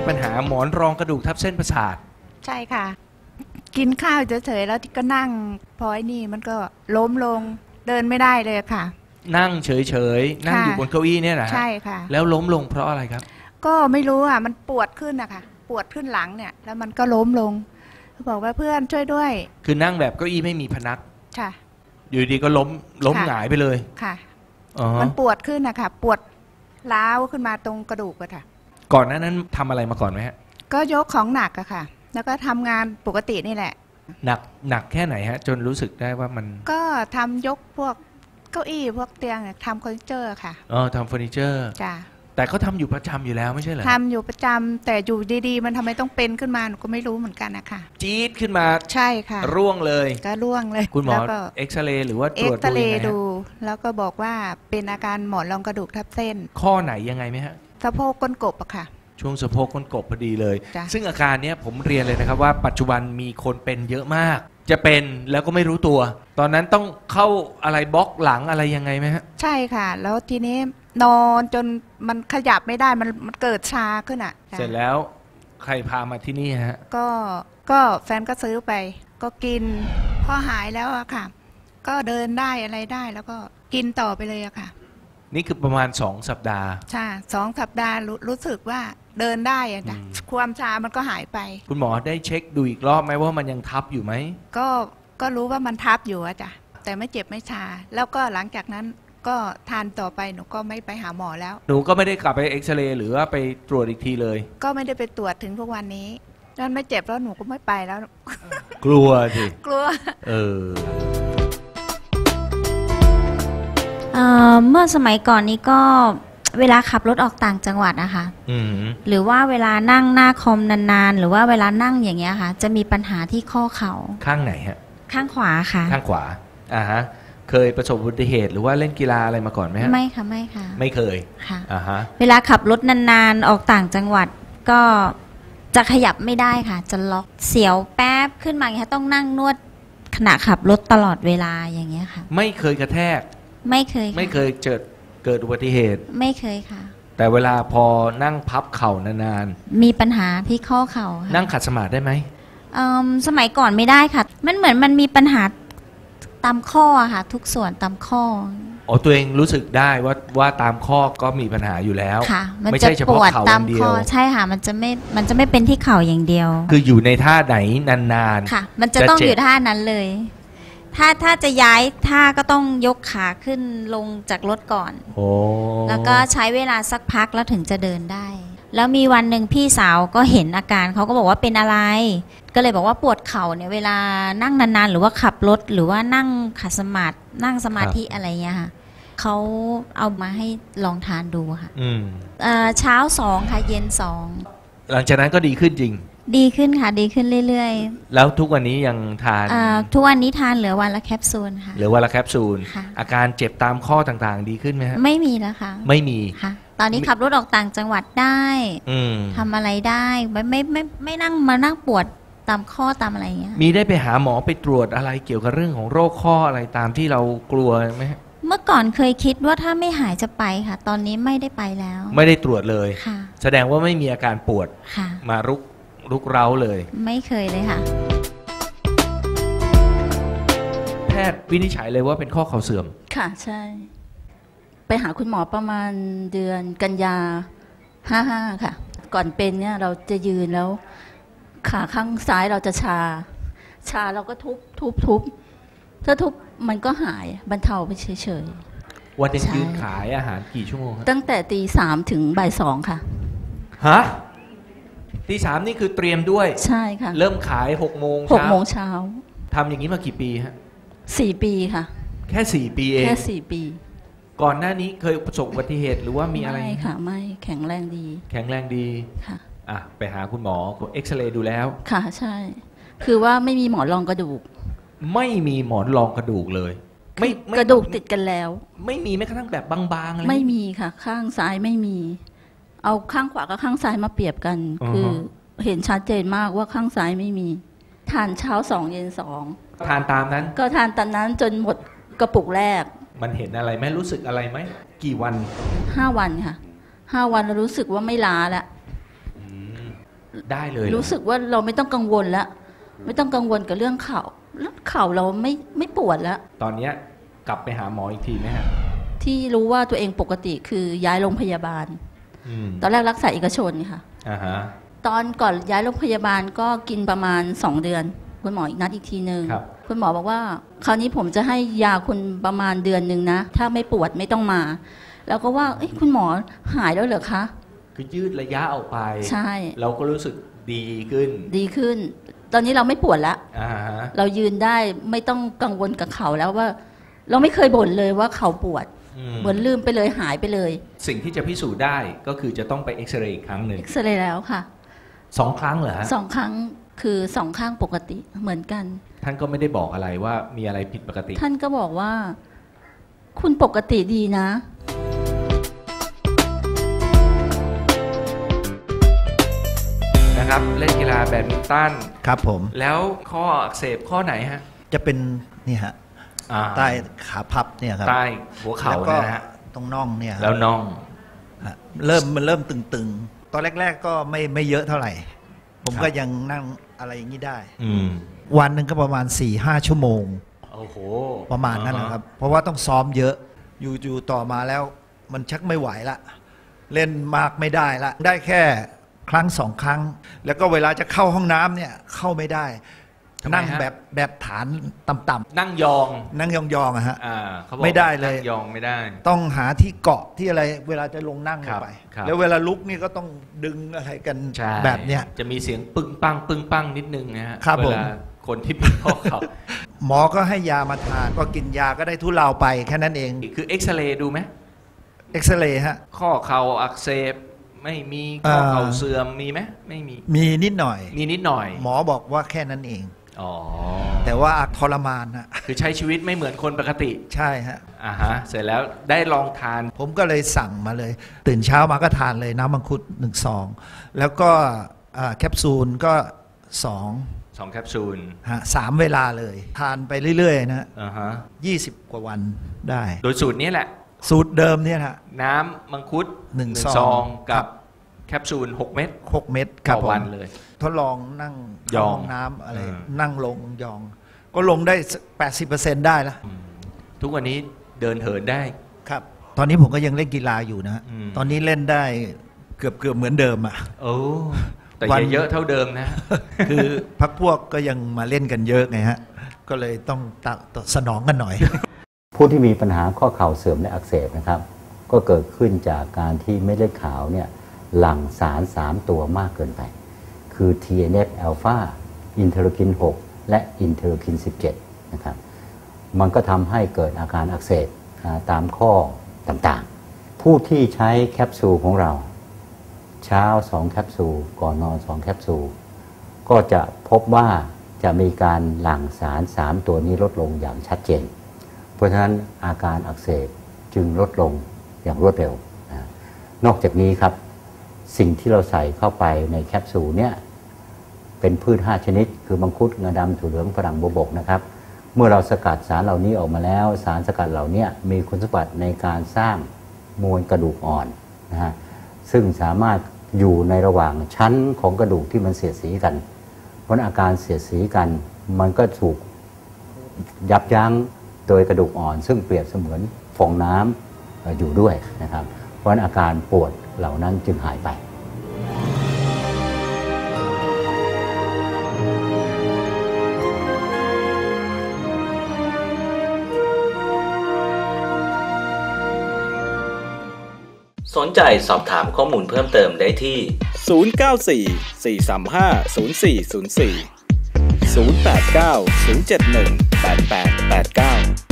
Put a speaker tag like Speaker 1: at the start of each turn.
Speaker 1: ปัญหาหมอนรองกระดูกทับเส้นประสาท
Speaker 2: ใช่ค่ะกินข้าวเฉยๆแล้วก็นั่งพอไอ้นี่มันก็ล้มลงเดินไม่ได้เลยค่ะ
Speaker 1: นั่งเฉยๆนั่งอยู่บนเก้าอี้เนี่ยนะ
Speaker 2: ใช่ค่ะ
Speaker 1: แล้วล้มลงเพราะอะไรครับ
Speaker 2: ก็ไม่รู้อ่ะมันปวดขึ้นนะคะปวดขึ้นหลังเนี่ยแล้วมันก็ล้มลงบอกว่าเพื่อนช่วยด้วย
Speaker 1: คือนั่งแบบเก้าอี้ไม่มีพนัก
Speaker 2: ค่ะ
Speaker 1: อยู่ดีก็ล้มหงายไปเลย
Speaker 2: ค่ะมันปวดขึ้นนะคะปวดร้าวขึ้นมาตรงกระดูกอะค่ะ
Speaker 1: ก่อนหน้านั้นทำอะไรมาก่อนไหมฮะ
Speaker 2: ก็ยกของหนักอะค่ะแล้วก็ทำงานปกตินี่แหละ
Speaker 1: หนักแค่ไหนฮะจนรู้สึกได้ว่ามัน
Speaker 2: ก็ทำยกพวกเก้าอี้พวกเตียงทำเฟอร์นิเจอร์ค่ะ
Speaker 1: ทำเฟอร์นิเจอร์
Speaker 2: จ้ะ
Speaker 1: แต่เขาทำอยู่ประจำอยู่แล้วไม่ใช่เหรอ
Speaker 2: ทำอยู่ประจำแต่อยู่ดีๆมันทำไมต้องเป็นขึ้นมาหนูก็ไม่รู้เหมือนกันนะคะ
Speaker 1: จี๊ดขึ้นมา
Speaker 2: ใช่ค่ะ
Speaker 1: ร่วงเลย
Speaker 2: ก็ร่วงเลย
Speaker 1: คุณหมอเอ็กซเรย์หรือว่าตรวจ
Speaker 2: ดูแล้วก็บอกว่าเป็นอาการหมอนรองกระดูกทับเส้น
Speaker 1: ข้อไหนยังไงไหมฮะ
Speaker 2: สะโพกก้นกบอะค่ะ
Speaker 1: ช่วงสะโพกก้นกบพอดีเลยซึ่งอาการนี้ผมเรียนเลยนะครับว่าปัจจุบันมีคนเป็นเยอะมากจะเป็นแล้วก็ไม่รู้ตัวตอนนั้นต้องเข้าอะไรบล็อกหลังอะไรยังไงไหมฮะ
Speaker 2: ใช่ค่ะแล้วทีนี้นอนจนมันขยับไม่ได้มันเกิดชาขึ้นอ่ะ
Speaker 1: เสร็จแล้วใครพามาที่นี่ฮะ
Speaker 2: ก็แฟนก็ซื้อไปก็กินพอหายแล้วอะค่ะก็เดินได้อะไรได้แล้วก็กินต่อไปเลยอะค่ะ
Speaker 1: นี่คือประมาณ2 สัปดาห์
Speaker 2: ใช่2 สัปดาห์รู้สึกว่าเดินได้อะจ้ะความชามันก็หายไป
Speaker 1: คุณหมอได้เช็คดูอีกรอบไหมว่ามันยังทับอยู่ไหม
Speaker 2: ก็รู้ว่ามันทับอยู่อะจ้ะแต่ไม่เจ็บไม่ชาแล้วก็หลังจากนั้นก็ทานต่อไปหนูก็ไม่ไปหาหมอแล้ว
Speaker 1: หนูก็ไม่ได้กลับไปเอ็กซเรย์หรือว่าไปตรวจอีกทีเลย
Speaker 2: ก็ไม่ได้ไปตรวจถึงทุกวันนี้นั่นไม่เจ็บแล้วหนูก็ไม่ไปแล้ว
Speaker 1: กลัวสิ
Speaker 2: กลัว
Speaker 3: เมื่อสมัยก่อนนี้ก็เวลาขับรถออกต่างจังหวัดนะคะหรือว่าเวลานั่งหน้าคอมนานๆหรือว่าเวลานั่งอย่างเงี้ยค่ะจะมีปัญหาที่ข้อเข่า
Speaker 1: ข้างไหนฮะ
Speaker 3: ข้างขวาค่ะ
Speaker 1: ข้างขวาฮะเคยประสบอุบัติเหตุหรือว่าเล่นกีฬาอะไรมาก่อนไหมฮะ
Speaker 3: ไม่ค่ะไม่ค่ะ
Speaker 1: ไม่เคย
Speaker 3: ค่ะเวลาขับรถนานๆออกต่างจังหวัดก็จะขยับไม่ได้ค่ะจะล็อกเสียวแป๊บขึ้นมาอย่างเงี้ยต้องนั่งนวดขณะขับรถตลอดเวลาอย่างเงี้ยค่ะ
Speaker 1: ไม่เคยกระแทก
Speaker 3: ไม่เคย
Speaker 1: เกิดอุบัติเหตุ
Speaker 3: ไม่เคยค่ะ
Speaker 1: แต่เวลาพอนั่งพับเข่านาน
Speaker 3: ๆมีปัญหาที่ข้อเข่าค่ะ
Speaker 1: นั่งขัดสมาธิได้ไหม
Speaker 3: สมัยก่อนไม่ได้ค่ะมันเหมือนมันมีปัญหาตามข้อค่ะทุกส่วนตามข้อ
Speaker 1: ตัวเองรู้สึกได้ว่าตามข้อก็มีปัญหาอยู่แล้ว
Speaker 3: ค่ะมันจะปวดตามข้อใช่ค่ะมันจะไม่เป็นที่เข่าอย่างเดียว
Speaker 1: คืออยู่ในท่าไหนนาน
Speaker 3: ๆค่ะมันจะต้องอยู่ท่านั้นเลยถ้าจะย้ายท่าก็ต้องยกขาขึ้นลงจากรถก่อนแล้วก็ใช้เวลาสักพักแล้วถึงจะเดินได้แล้วมีวันหนึ่งพี่สาวก็เห็นอาการเขาก็บอกว่าเป็นอะไรก็เลยบอกว่าปวดเข่าเนี่ยเวลานั่งนานๆหรือว่าขับรถหรือว่านั่งขัดสมาธินั่งสมาธิอะไรเงี้ยค่ะเขาเอามาให้ลองทานดูค่ะเช้า2ค่ะเย็น2
Speaker 1: หลังจากนั้นก็ดีขึ้นจริง
Speaker 3: ดีขึ้นค่ะดีขึ้นเรื่อย
Speaker 1: ๆแล้วทุกวันนี้ยังทาน
Speaker 3: ทุกวันนี้ทานเหลือวันละแคปซูลค่ะ
Speaker 1: เหลือวันละแคปซูลอาการเจ็บตามข้อต่างๆดีขึ้นไหมฮะ
Speaker 3: ไม่มีแล้วค่ะ
Speaker 1: ไม่มี
Speaker 3: ค่ะตอนนี้ขับรถออกต่างจังหวัดได้ทำอะไรได้ไม่นั่งมานั่งปวดตามข้อตามอะไรอย่างเงี้ย
Speaker 1: มีได้ไปหาหมอไปตรวจอะไรเกี่ยวกับเรื่องของโรคข้ออะไรตามที่เรากลัวไหม
Speaker 3: เมื่อก่อนเคยคิดว่าถ้าไม่หายจะไปค่ะตอนนี้ไม่ได้ไปแล้ว
Speaker 1: ไม่ได้ตรวจเลย
Speaker 3: ค่ะ
Speaker 1: แสดงว่าไม่มีอาการปวดมารุกเร้าเลย
Speaker 3: ไม่เคยเลยค่ะ
Speaker 1: แพทย์วินิจฉัยเลยว่าเป็นข้อเข่าเสื่อม
Speaker 4: ค่ะใช่ไปหาคุณหมอประมาณเดือนกันยา55ค่ะก่อนเป็นเนี่ยเราจะยืนแล้วขาข้างซ้ายเราจะชาเราก็ทุบถ้าทุบมันก็หายบรรเทาไปเฉย
Speaker 1: ๆวันหนึ่งยืนขายอาหารกี่ชั่วโมง
Speaker 4: ตั้งแต่ตี 3 ถึงบ่าย 2ค่ะ
Speaker 1: ฮะตี 3นี่คือเตรียมด้วย
Speaker 4: ใช่ค่ะ
Speaker 1: เริ่มขาย6 โมง
Speaker 4: เช้า
Speaker 1: ทำอย่างนี้มากี่ปีฮะ
Speaker 4: 4 ปีค่ะ
Speaker 1: แค่4 ปีเอง
Speaker 4: แค่4 ปี
Speaker 1: ก่อนหน้านี้เคยประสบอุบัติเหตุหรือว่ามีอะไร
Speaker 4: ไม่ค่ะไม่แข็งแรงดี
Speaker 1: ค่ะไปหาคุณหมอเอ็กซเรย์ดูแล้ว
Speaker 4: ค่ะใช่คือว่าไม่มีหมอนรองกระดูก
Speaker 1: ไม่มีหมอนรองกระดูกเลย
Speaker 4: ไม่กระดูกติดกันแล้ว
Speaker 1: ไม่มีแม้กระทั่งแบบบางๆอะไร
Speaker 4: ไม่มีค่ะข้างซ้ายไม่มีเอาข้างขวากับข้างซ้ายมาเปรียบกันคือเห็นชัดเจนมากว่าข้างซ้ายไม่มีทานเช้า2เย็น2
Speaker 1: ทานตามนั้น
Speaker 4: ก็ทานตามนั้นจนหมดกระปุกแรก
Speaker 1: มันเห็นอะไรไหมรู้สึกอะไรไหมกี่วัน
Speaker 4: 5 วันค่ะ5 วันแล้วรู้สึกว่าไม่ล้าแล้ว
Speaker 1: ได้เลย
Speaker 4: รู้สึกว่าเราไม่ต้องกังวลแล้วไม่ต้องกังวลกับเรื่องเข่าเราไม่ปวดแล้ว
Speaker 1: ตอนนี้กลับไปหาหมออีกทีไหมฮะ
Speaker 4: ที่รู้ว่าตัวเองปกติคือย้ายโรงพยาบาลตอนแรกรักษาเอกชนค่ะตอนก่อนย้ายโรงพยาบาลก็กินประมาณ2 เดือนคุณหมออีกนัดอีกทีนึงคุณหมอบอกว่าคราวนี้ผมจะให้ยาคุณประมาณเดือนนึงนะถ้าไม่ปวดไม่ต้องมาแล้วก็ว่าคุณหมอหายแล้วเหรอคะ
Speaker 1: คือยืดระยะออกไป
Speaker 4: ใช่
Speaker 1: เราก็รู้สึกดีขึ้น
Speaker 4: ตอนนี้เราไม่ปวดแล้วเรายืนได้ไม่ต้องกังวลกับเข่าแล้วว่าเราไม่เคยบ่นเลยว่าเข่าปวดเหมือนลืมไปเลยหายไปเลย
Speaker 1: สิ่งที่จะพิสูจน์ได้ก็คือจะต้องไปเอ็กซเรย์อีกครั้งหนึ่ง
Speaker 4: เอ็กซเรย์แล้วค่ะ
Speaker 1: 2 ครั้งเหรอฮะ
Speaker 4: 2 ครั้งคือ2 ข้างปกติเหมือนกัน
Speaker 1: ท่านก็ไม่ได้บอกอะไรว่ามีอะไรผิดปกติ
Speaker 4: ท่านก็บอกว่าคุณปกติดีนะ
Speaker 1: นะครับเล่นกีฬาแบดมินตัน
Speaker 5: ครับผม
Speaker 1: แล้วข้ออักเสบข้อไหนฮะ
Speaker 5: จะเป็นนี่ฮะใต้ขาพับเนี่ยครับ
Speaker 1: ใต้หัวเข่านะฮะ
Speaker 5: ตรงน่องเนี่ย
Speaker 1: แล้วน่อง
Speaker 5: มันเริ่มตึงๆตอนแรกๆก็ไม่เยอะเท่าไหร่ผมก็ยังนั่งอะไรอย่างนี้ได้วันหนึ่งก็ประมาณ 4-5 ชั่วโมง
Speaker 1: โอ้โห
Speaker 5: ประมาณนั้นนะครับเพราะว่าต้องซ้อมเยอะอยู่ต่อมาแล้วมันชักไม่ไหวละเล่นมากไม่ได้ละได้แค่ครั้ง2 ครั้งแล้วก็เวลาจะเข้าห้องน้ำเนี่ยเข้าไม่ได้นั่งแบบฐานต่ำ
Speaker 1: ๆนั่งยอง
Speaker 5: อะฮะไม่ได้เลย
Speaker 1: ยองไม่ได้
Speaker 5: ต้องหาที่เกาะที่อะไรเวลาจะลงนั่งไปแล้วเวลาลุกนี่ก็ต้องดึงอะไรกันแบบเนี้ย
Speaker 1: จะมีเสียงปึ้งปังนิดนึงนะฮะ
Speaker 5: เวลา
Speaker 1: คนที่เป็นข้อเข่า
Speaker 5: หมอก็ให้ยามาทานก็กินยาก็ได้ทุเลาไปแค่นั้นเอง
Speaker 1: คือเอ็กซเรย์ดูไหม
Speaker 5: เอ็กซเรย์ฮะ
Speaker 1: ข้อเข่าอักเสบไม่มีข้อเข่าเสื่อมมีไหมไม่
Speaker 5: มีนิดหน่อยหมอบอกว่าแค่นั้นเองแต่ว่าทรมานฮะ
Speaker 1: คือใช้ชีวิตไม่เหมือนคนปกติ
Speaker 5: ใช่ฮะ
Speaker 1: เสร็จแล้วได้ลองทาน
Speaker 5: ผมก็เลยสั่งมาเลยตื่นเช้ามาก็ทานเลยน้ำมังคุด1 ซองแล้วก็แคปซูลก็2
Speaker 1: แคปซูล
Speaker 5: 3 เวลาเลยทานไปเรื่อยๆนะ20 กว่าวันได้
Speaker 1: โดยสูตรนี้แหละ
Speaker 5: สูตรเดิมเนี่ยฮะ
Speaker 1: น้ำมังคุด1 ซองกับแคปซูล6 เม็ดต่อวันเลย
Speaker 5: ทดลองนั่งยองน้ำอะไรนั่งลงยองก็ลงได้ 80% ได้แล้ว
Speaker 1: ทุกวันนี้เดินเหินได้
Speaker 5: ครับตอนนี้ผมก็ยังเล่นกีฬาอยู่นะตอนนี้เล่นได้เกือบเหมือนเดิมอ่ะ
Speaker 1: แต่อย่าเยอะเท่าเดิมนะ
Speaker 5: คือพรรคพวกก็ยังมาเล่นกันเยอะไงฮะก็เลยต้องสนองกันหน่อย
Speaker 6: ผู้ที่มีปัญหาข้อเข่าเสื่อมและอักเสบนะครับก็เกิดขึ้นจากการที่เม็ดเลือดขาวเนี่ยหลั่งสาร3 ตัวมากเกินไปคือ TNF อ l p h a อินเทอร์คิน 6 และอินเทอร์คิน 17 นะครับมันก็ทำให้เกิดอาการอักเสบตามข้อต่างๆผู้ที่ใช้แคปซูลของเราเช้า2 แคปซูลก่อนนอน2 แคปซูลก็จะพบว่าจะมีการหลั่งสาร3 ตัวนี้ลดลงอย่างชัดเจนเพราะฉะนั้นอาการอักเสบจึงลดลงอย่างรวดเร็วนอกจากนี้ครับสิ่งที่เราใส่เข้าไปในแคปซูลเนี่ยเป็นพืช5 ชนิดคือมังคุดงาดำถั่วเหลืองฝรั่งบวบกนะครับเมื่อเราสกัดสารเหล่านี้ออกมาแล้วสารสกัดเหล่านี้มีคุณสมบัติในการสร้างมวลกระดูกอ่อนนะฮะซึ่งสามารถอยู่ในระหว่างชั้นของกระดูกที่มันเสียดสีกันเพราะอาการเสียดสีกันมันก็ถูกยับยั้งโดยกระดูกอ่อนซึ่งเปรียบเสมือนฟองน้ำอยู่ด้วยนะครับเพราะอาการปวดเหล่านั้นจึงหายไป
Speaker 7: สนใจสอบถามข้อมูลเพิ่มเติมได้ที่ 094 435 0404 089 071 8889